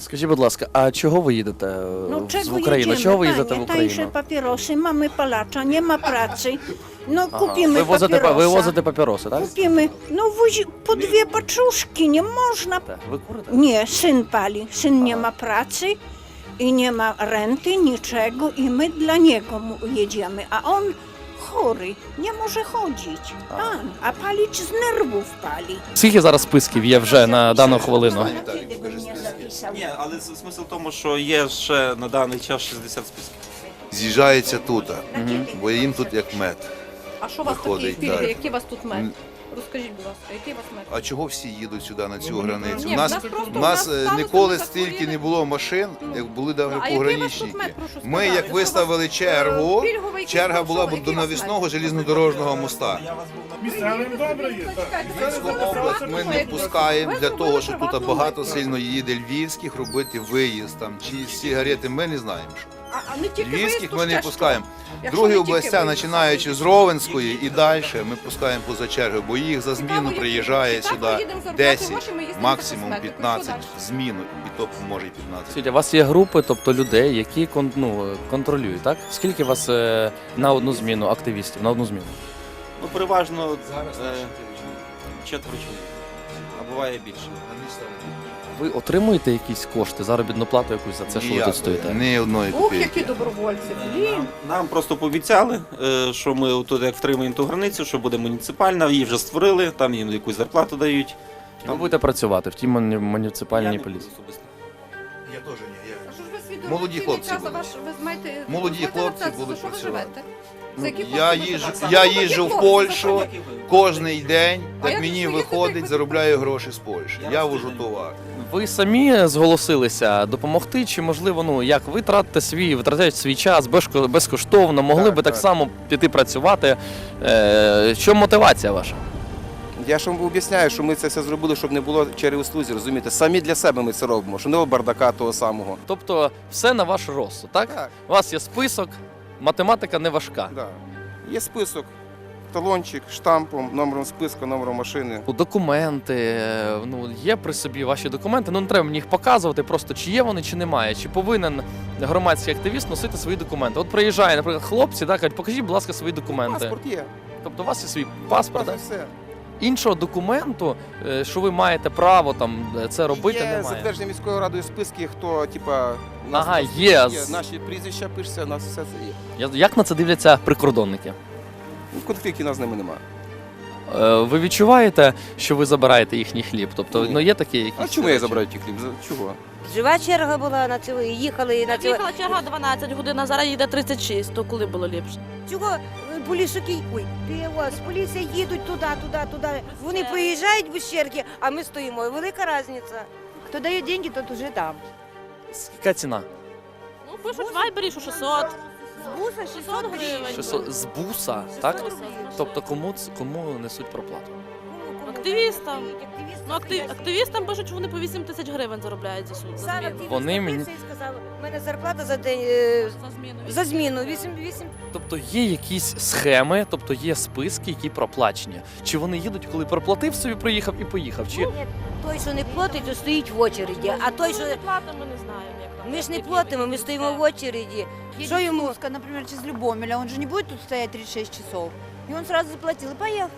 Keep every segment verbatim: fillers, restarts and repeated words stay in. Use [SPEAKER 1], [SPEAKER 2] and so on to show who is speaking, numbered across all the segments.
[SPEAKER 1] Скажіть, будь ласка, а чого ви їдете е,
[SPEAKER 2] No
[SPEAKER 1] в
[SPEAKER 2] czego
[SPEAKER 1] Україну?
[SPEAKER 2] jedziemy,
[SPEAKER 1] Чого ви їздите
[SPEAKER 2] panie?
[SPEAKER 1] в
[SPEAKER 2] Tańsze
[SPEAKER 1] Україну?
[SPEAKER 2] papierosy, mamy palacza, nie ma pracy. No
[SPEAKER 1] Ага.
[SPEAKER 2] kupimy
[SPEAKER 1] Ви возите,
[SPEAKER 2] papierosa.
[SPEAKER 1] ви возите папіроси, так?
[SPEAKER 2] Kupimy, no wozi po dwie paczuszki, nie można.
[SPEAKER 1] Так. Ви курите?
[SPEAKER 2] Nie, syn pali, syn nie
[SPEAKER 1] Aha.
[SPEAKER 2] ma pracy i nie ma renty, niczego i my dla niego mu jedziemy, a on chory, nie może chodzić, pan, a palić z nerwów pali.
[SPEAKER 1] Скільки зараз списків є вже на дану хвилину?
[SPEAKER 2] Kiedy bym nie zapisał?
[SPEAKER 3] Ні, але с- смисл в тому, що є ще на даний час шістдесят списків.
[SPEAKER 4] З'їжджається тут, бо їм тут як мед.
[SPEAKER 5] А що у вас такі
[SPEAKER 4] Виходить,
[SPEAKER 5] пільги?
[SPEAKER 4] так.
[SPEAKER 5] Які у вас тут мед?
[SPEAKER 4] М.
[SPEAKER 5] Розкажіть, будь ласка, який у вас мед?
[SPEAKER 4] А чого всі їдуть сюди на цю границю?
[SPEAKER 5] Ні,
[SPEAKER 4] У нас,
[SPEAKER 5] в нас просто-
[SPEAKER 4] у
[SPEAKER 5] у
[SPEAKER 4] нас
[SPEAKER 5] нас
[SPEAKER 4] е,
[SPEAKER 5] сталося,
[SPEAKER 4] ніколи
[SPEAKER 5] ми
[SPEAKER 4] стільки
[SPEAKER 5] захворіли.
[SPEAKER 4] не було машин,
[SPEAKER 5] Ну.
[SPEAKER 4] як були навіть
[SPEAKER 5] А який у вас тут
[SPEAKER 4] пограничники.
[SPEAKER 5] мед, прошу
[SPEAKER 4] Ми
[SPEAKER 5] сказати?
[SPEAKER 4] як
[SPEAKER 5] Що
[SPEAKER 4] виставили
[SPEAKER 5] у вас,
[SPEAKER 4] чергу,
[SPEAKER 5] е, пільговий якийсь
[SPEAKER 4] черга була
[SPEAKER 5] маршрут,
[SPEAKER 4] б до
[SPEAKER 5] який у вас
[SPEAKER 4] навісного
[SPEAKER 5] мед?
[SPEAKER 4] железнодорожного моста.
[SPEAKER 6] Місцевим добре є, так.
[SPEAKER 4] Львівську область ми не пускаємо для того, що тут багато сильно їде львівських робити виїзд там чи сигарети. Ми не знаємо, що.
[SPEAKER 5] А, а не тільки
[SPEAKER 4] Львівських
[SPEAKER 5] виїзд,
[SPEAKER 4] ми
[SPEAKER 5] то
[SPEAKER 4] не
[SPEAKER 5] ще
[SPEAKER 4] пускаємо.
[SPEAKER 5] що? Якщо
[SPEAKER 4] Другі
[SPEAKER 5] не тільки
[SPEAKER 4] областя,
[SPEAKER 5] виїзд.
[SPEAKER 4] починаючи з Ровенської і далі, ми пускаємо поза чергою, бо їх за
[SPEAKER 5] Цікаво,
[SPEAKER 4] зміну
[SPEAKER 5] як-
[SPEAKER 4] приїжджає
[SPEAKER 5] чи так ми
[SPEAKER 4] сюди
[SPEAKER 5] їдемо заробляти
[SPEAKER 4] десять,
[SPEAKER 5] гроші, ми їздимо
[SPEAKER 4] максимум
[SPEAKER 5] за косметикою?
[SPEAKER 4] п'ятнадцять
[SPEAKER 5] Що
[SPEAKER 4] в зміну, і то може і п'ятнадцять.
[SPEAKER 1] Скажіть, у вас є групи, тобто людей, які кон- ну, контролюють, так? Скільки у вас е, на одну зміну активістів, на одну зміну?
[SPEAKER 3] Ну, переважно е, четверо чоловік, а буває більше.
[SPEAKER 1] Ви отримуєте якісь кошти, заробітну плату якусь за це, що ви
[SPEAKER 4] Ніякої,
[SPEAKER 1] тут стоїте?
[SPEAKER 4] Ні одної
[SPEAKER 5] Ух,
[SPEAKER 4] копійки.
[SPEAKER 5] які добровольці, блін.
[SPEAKER 3] Нам просто пообіцяли, е, що ми тут як втримаємо ту границю, що буде муніципальна, її вже створили, там їм якусь зарплату дають.
[SPEAKER 1] Ви будете працювати в тій муні-
[SPEAKER 3] Я
[SPEAKER 1] муніципальній
[SPEAKER 3] не
[SPEAKER 1] поліції?
[SPEAKER 3] буду особисто.
[SPEAKER 4] Я теж ні.
[SPEAKER 5] А що ж ви свідомо
[SPEAKER 4] Молоді
[SPEAKER 5] цілий
[SPEAKER 4] хлопці
[SPEAKER 5] час, а
[SPEAKER 4] будуть.
[SPEAKER 5] ваш- ви знаєте,
[SPEAKER 4] Молоді
[SPEAKER 5] ви знаєте,
[SPEAKER 4] хлопці
[SPEAKER 5] за
[SPEAKER 4] будуть
[SPEAKER 5] що ви
[SPEAKER 4] працювати.
[SPEAKER 5] живете? За які
[SPEAKER 4] Я
[SPEAKER 5] кошти ви
[SPEAKER 4] їжджу,
[SPEAKER 5] живете?
[SPEAKER 4] я
[SPEAKER 5] Молоді
[SPEAKER 4] їжджу в
[SPEAKER 5] хлопці,
[SPEAKER 4] Польщу
[SPEAKER 5] за що?
[SPEAKER 4] кожний день,
[SPEAKER 5] А
[SPEAKER 4] так
[SPEAKER 5] як
[SPEAKER 4] мені
[SPEAKER 5] ви їздите,
[SPEAKER 4] виходить,
[SPEAKER 5] як ви
[SPEAKER 4] заробляю гроші з Польщі.
[SPEAKER 3] Я
[SPEAKER 4] Я
[SPEAKER 3] вас
[SPEAKER 4] вожу
[SPEAKER 3] не
[SPEAKER 4] товар.
[SPEAKER 1] Ви самі зголосилися допомогти, чи можливо, ну як ви тратите свій, витрачаєте свій час безко- безкоштовно, могли
[SPEAKER 7] Так,
[SPEAKER 1] би так
[SPEAKER 7] так.
[SPEAKER 1] само піти працювати? Е, що мотивація ваша?
[SPEAKER 7] Я ж вам об'ясняю, що ми це все зробили, щоб не було через розумієте? Самі для себе ми це робимо, щоб не було бардака того самого.
[SPEAKER 1] Тобто все на ваш розсуд, так?
[SPEAKER 7] Так,
[SPEAKER 1] У вас є список, математика не важка.
[SPEAKER 7] да. Є список, талончик, штампом, номером списка, номером машини.
[SPEAKER 1] Документи, е, ну є при собі ваші документи, ну не треба мені їх показувати, просто чи є вони, чи немає, чи повинен громадський активіст носити свої документи. От приїжджає, наприклад, хлопці, так, кажуть, покажіть, будь ласка, свої документи.
[SPEAKER 7] Паспорт є.
[SPEAKER 1] Тобто у вас є свій паспорт, так?
[SPEAKER 7] все.
[SPEAKER 1] Іншого документу, е, що ви маєте право там е, це робити,
[SPEAKER 7] Є
[SPEAKER 1] немає.
[SPEAKER 7] затверджені міською радою списки, хто, типа, у нас
[SPEAKER 1] Ага,
[SPEAKER 7] є,
[SPEAKER 1] є.
[SPEAKER 7] наші прізвища пишеться, у нас все це є.
[SPEAKER 1] Я- Як на це дивляться прикордонники?
[SPEAKER 7] Ну, конфліктів у нас з ними немає.
[SPEAKER 1] Е, Ви відчуваєте, що ви забираєте їхній хліб? Тобто,
[SPEAKER 7] Ні.
[SPEAKER 1] ну є такі якісь.
[SPEAKER 7] А чому я
[SPEAKER 1] речі?
[SPEAKER 7] забираю ті хліб? За- Чого?
[SPEAKER 8] Жива черга була на цього, і їхали і на цього.
[SPEAKER 9] Їхала черга дванадцять годин, а зараз їде тридцять шість, то коли було ліпше?
[SPEAKER 8] Чого е, полісики, ой, з поліції їдуть туди, туди, туди. Вони приїжджають без черги, а ми стоїмо. Велика різниця. Хто дає гроші, тот уже там.
[SPEAKER 1] Яка ціна?
[SPEAKER 9] Ну, пишуть в Вайбері, що шістсот.
[SPEAKER 8] З буса шістсот
[SPEAKER 9] шістсот
[SPEAKER 8] гривень.
[SPEAKER 9] гривень.
[SPEAKER 1] шістсот з буса, так?
[SPEAKER 9] шістсот.
[SPEAKER 1] Тобто кому ц- кому несуть проплату?
[SPEAKER 8] Активістам.
[SPEAKER 9] Активістам. Ну, актив, активістам пишуть, що вони по вісім тисяч гривень заробляють за суд. За
[SPEAKER 8] Сам
[SPEAKER 9] зміну.
[SPEAKER 8] активіст
[SPEAKER 1] Вони мені-
[SPEAKER 8] напився і сказав, у мене зарплата за день, е,
[SPEAKER 9] За зміну.
[SPEAKER 8] за зміну, вісім, вісім.
[SPEAKER 1] Тобто є якісь схеми, тобто є списки, які проплачені. Чи вони їдуть, коли проплатив собі, приїхав і поїхав? Чи
[SPEAKER 8] Ні, той, що не платить, то стоїть в очереді, а той, що...
[SPEAKER 9] Ми не платимо, ми не знаємо, як там.
[SPEAKER 8] Ми ж не
[SPEAKER 9] які
[SPEAKER 8] платимо, ми
[SPEAKER 9] вони.
[SPEAKER 8] стоїмо в очереді.
[SPEAKER 10] Едет
[SPEAKER 8] Что ему?
[SPEAKER 10] Слуцка, например, через Любомеля, он же не будет тут стоять тридцать шесть часов. И он сразу заплатил и поехал.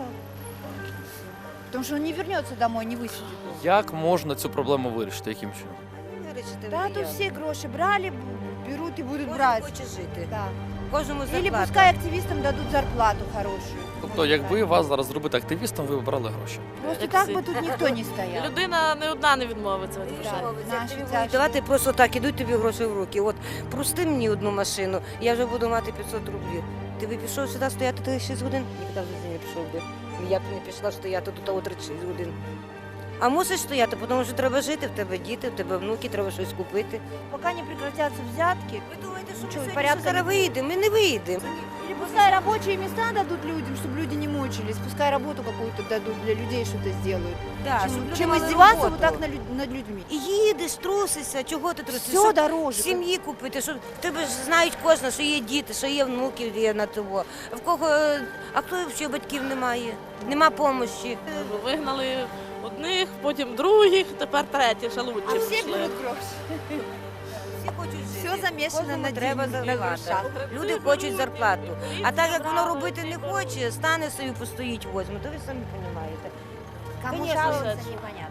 [SPEAKER 10] Потому что он не вернется домой, не высидит.
[SPEAKER 1] як можна цю проблему вирішити? Яким чином?
[SPEAKER 10] Да, тут все гроши брали, б- берут и будут
[SPEAKER 8] Кожен
[SPEAKER 10] брать.
[SPEAKER 8] хоче жити.
[SPEAKER 10] Да.
[SPEAKER 8] Кожному
[SPEAKER 10] Или
[SPEAKER 8] зарплата.
[SPEAKER 10] пускай активистам дадут зарплату хорошую.
[SPEAKER 1] Тобто, якби вас зараз зробити активістом, ви б брали гроші.
[SPEAKER 10] Просто
[SPEAKER 9] Як
[SPEAKER 10] так
[SPEAKER 9] всі.
[SPEAKER 10] бы тут никто не стоял.
[SPEAKER 9] Людина не одна не відмовиться від
[SPEAKER 10] Да.
[SPEAKER 9] грошей.
[SPEAKER 10] Наші
[SPEAKER 8] Тобі
[SPEAKER 10] тяжкі.
[SPEAKER 8] будуть давати просто так, ідуть тобі гроші в руки. От прости мені одну машину, я вже буду мати п'ятсот рублів. Ти би пішов сюди стояти тридцять шість годин? Ніколи в житті не пішов би. Я б не пішла стояти тут о тридцять шість годин. А мусиш стояти, тому що треба жити, в тебе діти, в тебе внуки, треба щось купити.
[SPEAKER 10] Пока не прекратятся взятки,
[SPEAKER 8] Ви думаєте, що
[SPEAKER 10] Чого,
[SPEAKER 8] ми сьогодні
[SPEAKER 10] порядка
[SPEAKER 8] зараз
[SPEAKER 10] не буде?
[SPEAKER 8] вийдемо? Ми не вийдемо.
[SPEAKER 10] или пускай рабочие места дадут людям, чтобы люди не мучились, пускай работу какую-то дадут для людей, что-то сделают.
[SPEAKER 8] Да,
[SPEAKER 10] Чем,
[SPEAKER 8] щоб люди
[SPEAKER 10] чем
[SPEAKER 8] мали
[SPEAKER 10] издеваться
[SPEAKER 8] роботу.
[SPEAKER 10] вот так над, люд- над людьми.
[SPEAKER 8] І їдеш, трусишся, чого ти трусишся?
[SPEAKER 10] Все
[SPEAKER 8] Щоб
[SPEAKER 10] дороже.
[SPEAKER 8] сім'ї купити, щоб тебе ж знають кожна, що є діти, що є внуки, є на того. В кого, а хто взагалі батьків немає? Нема помощі.
[SPEAKER 9] Вигнали Одних, потім других, тепер треті, ще лучше.
[SPEAKER 10] А все
[SPEAKER 9] пішли.
[SPEAKER 10] берут гроши.
[SPEAKER 8] Всі хочуть
[SPEAKER 10] Все
[SPEAKER 8] жити.
[SPEAKER 10] замешано
[SPEAKER 8] Кожному
[SPEAKER 10] на
[SPEAKER 8] треба
[SPEAKER 10] деньги, на
[SPEAKER 8] зарплата.
[SPEAKER 10] грошах.
[SPEAKER 8] Люди хочуть зарплату. А так як воно робити не хоче, стане собі, постоїть, возьме, то ви самі розумієте.
[SPEAKER 10] Кому
[SPEAKER 8] Конечно,
[SPEAKER 10] жаловаться,
[SPEAKER 9] Саша.
[SPEAKER 10] непонятно.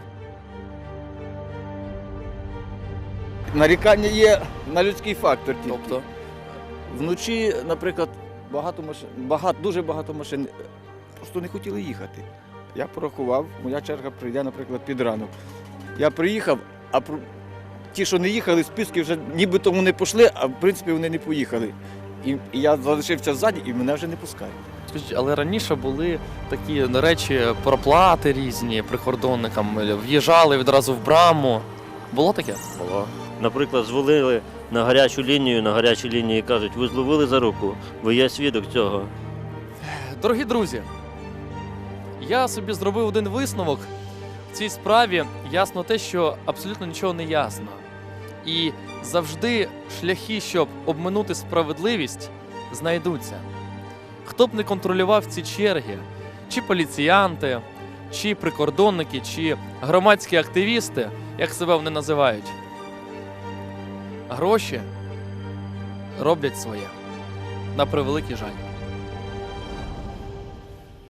[SPEAKER 11] Нарікання є на людський фактор тільки.
[SPEAKER 1] Тобто,
[SPEAKER 11] Вночі, наприклад, багато машин, багато, дуже багато машин просто не хотіли їхати. Я порахував, моя черга прийде, наприклад, під ранок. Я приїхав, а про- ті, що не їхали, списки вже нібито вони пішли, а в принципі вони не поїхали. І, і я залишився ззаді, і мене вже не пускають.
[SPEAKER 1] скажіть, але раніше були такі ну, речі, проплати різні прикордонникам, в'їжджали відразу в браму. Було таке?
[SPEAKER 12] Було. Наприклад, дзвонили на гарячу лінію, на гарячій лінії кажуть, ви зловили за руку, ви є свідок цього.
[SPEAKER 1] Дорогі друзі, я собі зробив один висновок. В цій справі ясно те, що абсолютно нічого не ясно. І завжди шляхи, щоб обминути справедливість, знайдуться. Хто б не контролював ці черги, чи поліціянти, чи прикордонники, чи громадські активісти, як себе вони називають, гроші роблять своє. На превеликий жаль.